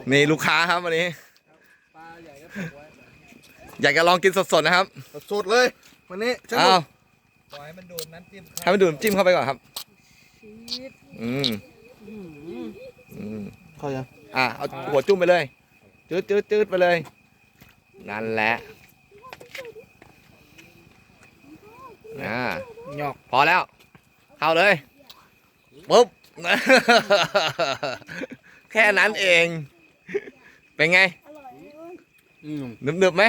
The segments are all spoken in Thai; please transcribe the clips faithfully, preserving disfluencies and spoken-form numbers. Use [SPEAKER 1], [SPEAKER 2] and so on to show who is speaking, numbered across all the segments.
[SPEAKER 1] นี่ลูกค้าครับวันนี้อยากจะลองกินสดๆนะครับ
[SPEAKER 2] สดเลยวันนี้
[SPEAKER 1] อ้าว
[SPEAKER 3] ปล่อยให้มันดูดน้ำจิ้ม
[SPEAKER 1] ให้มันดูดน้ำจิ้มเข้าไปก่อนครับอืมอืม
[SPEAKER 2] เข้ายัง
[SPEAKER 1] อ่ะเอาหัวจุ่มไปเลยจืดจืดจืดไปเลยนั่นแหละอ่า
[SPEAKER 3] หยอก
[SPEAKER 1] พอแล้วเข้าเลยปุ๊บ แค่นั้นเองเป็นไงหนึบหนึบไหม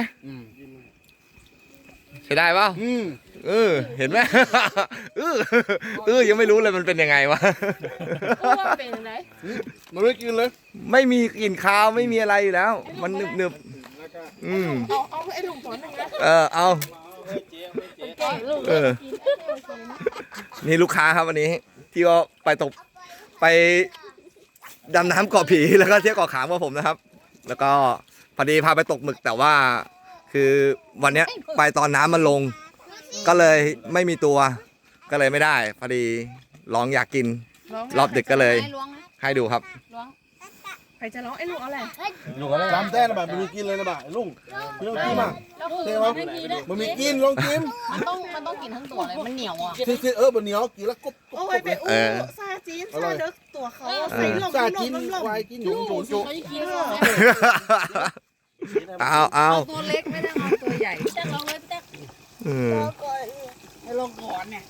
[SPEAKER 1] ใช้ได้ป่ะเออเห็นไหมเออเออยังไม่รู้เลยมันเป็นยังไงวะ
[SPEAKER 4] เป็นยังไง
[SPEAKER 2] มันไม่กินเลย
[SPEAKER 1] ไม่มีกลิ่นคาวไม่มีอะไรอยู่แล้วมันหนึบหนึบอืม
[SPEAKER 4] เอาเอาไอ้ลุงสอนหนึ่งนะ
[SPEAKER 1] เออเอาเออนี่ลูกค้าครับวันนี้ที่ก็ไปตกไปดำน้ำเกาะผีแล้วก็เที่ยวเกาะขามกับผมนะครับแล้วก็พอดีพาไปตกหมึกแต่ว่าคือวันเนี้ยไปตอนน้ำมันลงก็เลยไม่มีตัวก็เลยไม่ได้พอดีลองอยากกินรอบดึกก็เลยให้ดูครับ
[SPEAKER 4] ใครจะร้องไอ้ลุงเอาอะไร
[SPEAKER 2] ลุงอะไรจำแต้นะบ่ามันมีกินเลยนะบ่าลุงพี่ต้องกินมั้งเท่ไหมมันมีกินลองกิน
[SPEAKER 4] มันต้องมันต้องกินทั้งตัวเลยมันเหนียวอ่ะ
[SPEAKER 2] ซีเออมันเหนียวกินแล้วกบ
[SPEAKER 4] โอ้ยไปอู้ซาจีนซาเด็กตัวเขาใส่ลง
[SPEAKER 2] ซาจีนควายกินหยุ่งจุ๊จุ๊
[SPEAKER 1] เอาเอา
[SPEAKER 4] ตัวเล็กไม่ได้เอาตัวใหญ่แจ๊กลองเลยแจ๊กให้ลงก่อนเนี่ย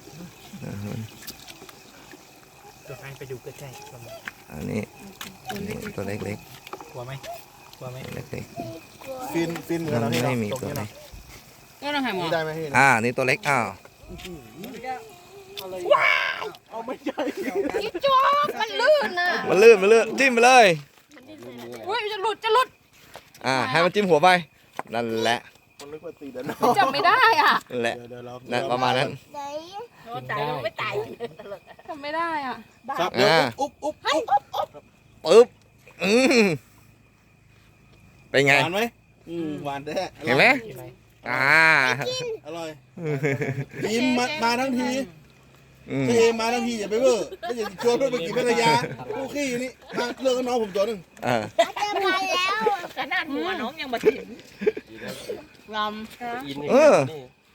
[SPEAKER 3] ตัวให้ไปดูใกล้ๆ
[SPEAKER 1] อันนี้ตัวเล็ก
[SPEAKER 3] ๆกลัวไหมกลัวไหม
[SPEAKER 1] เล็ก
[SPEAKER 2] ๆฟินฟินเหมือนเรา
[SPEAKER 1] ไม่มีตัวไหน
[SPEAKER 4] ก็ต้องให้หมอ
[SPEAKER 2] ได้ไหมพี่
[SPEAKER 1] อ่านี่ตัวเล็กอ้าว
[SPEAKER 4] ว้าวเอาไม่ใช่จิ๊บจ๊อกมันลื่นน่ะ
[SPEAKER 1] มันลื่นมันลื่นจิ้มไปเลย
[SPEAKER 4] อุ้ยจะหลุดจะหลุด
[SPEAKER 1] อ่าให้มันจิ้มหัวไปนั่นแหละ
[SPEAKER 4] จำไม่ได้อ่ะ
[SPEAKER 1] นั่นแหละนั่นประมาณนั้น
[SPEAKER 4] ตายไม่ตายจำไม่ได้อ่ะ
[SPEAKER 1] อ่า
[SPEAKER 2] อุ๊บอุ๊บ
[SPEAKER 4] อุ๊บ
[SPEAKER 1] ปึ๊บอืมเป็นไง
[SPEAKER 2] หวานไหมอืมหวานแท้
[SPEAKER 1] เห็นไหมอ่า
[SPEAKER 2] อร่อยกินมามาทั้งทีเทมาทั้งทีอย่าไปเบ้อไม่อย่าชวนเพื่อนไปกินภรรยาผู้ขี้นี่มาเลิกกับน้องผมตัวหนึ่ง
[SPEAKER 1] เออ
[SPEAKER 4] จะมาแล้วขนาดหัวน้องยังมาถึงล
[SPEAKER 1] ำเออ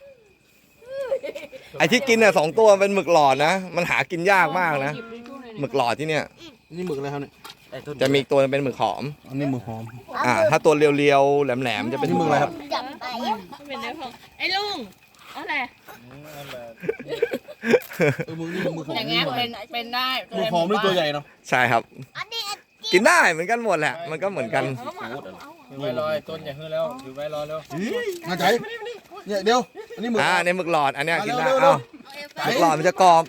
[SPEAKER 1] ไอที่กินเนี่ยสองตัวเป็นหมึกหลอดนะมันหากินยากมากนะหมึกหลอดที่เนี่ย
[SPEAKER 2] นี่หมึกอะไรครับเนี่ย
[SPEAKER 1] จะมีตัวเป็นหมึกหอม
[SPEAKER 2] อันนี้หมึกหอม
[SPEAKER 1] อ่าถ้าตัวเรียวๆแหลมๆจะเป็น
[SPEAKER 2] หมึกอะไรครับ
[SPEAKER 4] เป็นเนื้อของไอ้ลุงอะไร
[SPEAKER 2] เออมึงนี่มึงหอม
[SPEAKER 4] อย่างเงี้ยเป็นเป็นได้
[SPEAKER 2] มึงหอมนี่ตัวใหญ่เนาะ
[SPEAKER 1] ใช่ครับกินได้เหมือนกันหมดแหละมันก็เหมือนกัน
[SPEAKER 3] ไว้รอยต้นอย่าเฮือแล้วอยู่ไว้รอแล้ว
[SPEAKER 2] มาใจเนี่ยเดี๋ยวอันนี้หมึก
[SPEAKER 1] อ่าเนี่ยหมึกหลอดอันนี้กินได้เอ้าหมึกหลอดมันจะกรอบ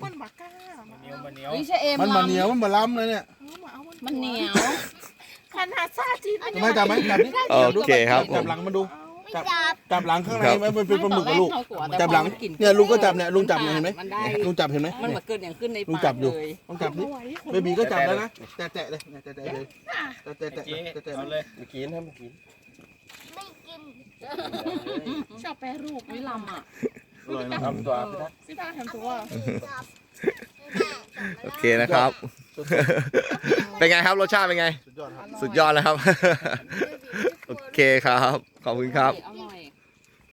[SPEAKER 2] มันมันเหนียวมันเหมือนล้ำเลยเนี่ย
[SPEAKER 4] มันเหนียวขนาดซาจีน
[SPEAKER 2] ทำไมจับไหมจับนี่
[SPEAKER 1] โอเคครับ
[SPEAKER 2] จับหลังมาดูจับจับหลังข้างในมันเป็นปลาหมึกกับลูกจับหลังเนี่ยลุงก็จับเนี่ยลุงจับเห็นไหมลุงจับเห็นไหม
[SPEAKER 4] มันมาเกิดอย่างขึ้นใน
[SPEAKER 2] ลุงจับอยู่ลุงจับนี่เบบีก็จับแล้วนะแตะแตะเลยแตะแตะเลยแตะแตะแตะแตะแตะ
[SPEAKER 3] เลยไม่กินให้ไม่กิน
[SPEAKER 4] ไม่กินชอบแปรรูปวิลำอ่ะ
[SPEAKER 3] ทำตัว
[SPEAKER 4] พี่ตาทำตัว
[SPEAKER 1] โอเคนะครับเป็นไงครับรสชาติเป็นไงสุดยอดแล้วครับโอเคครับขอบคุณครับ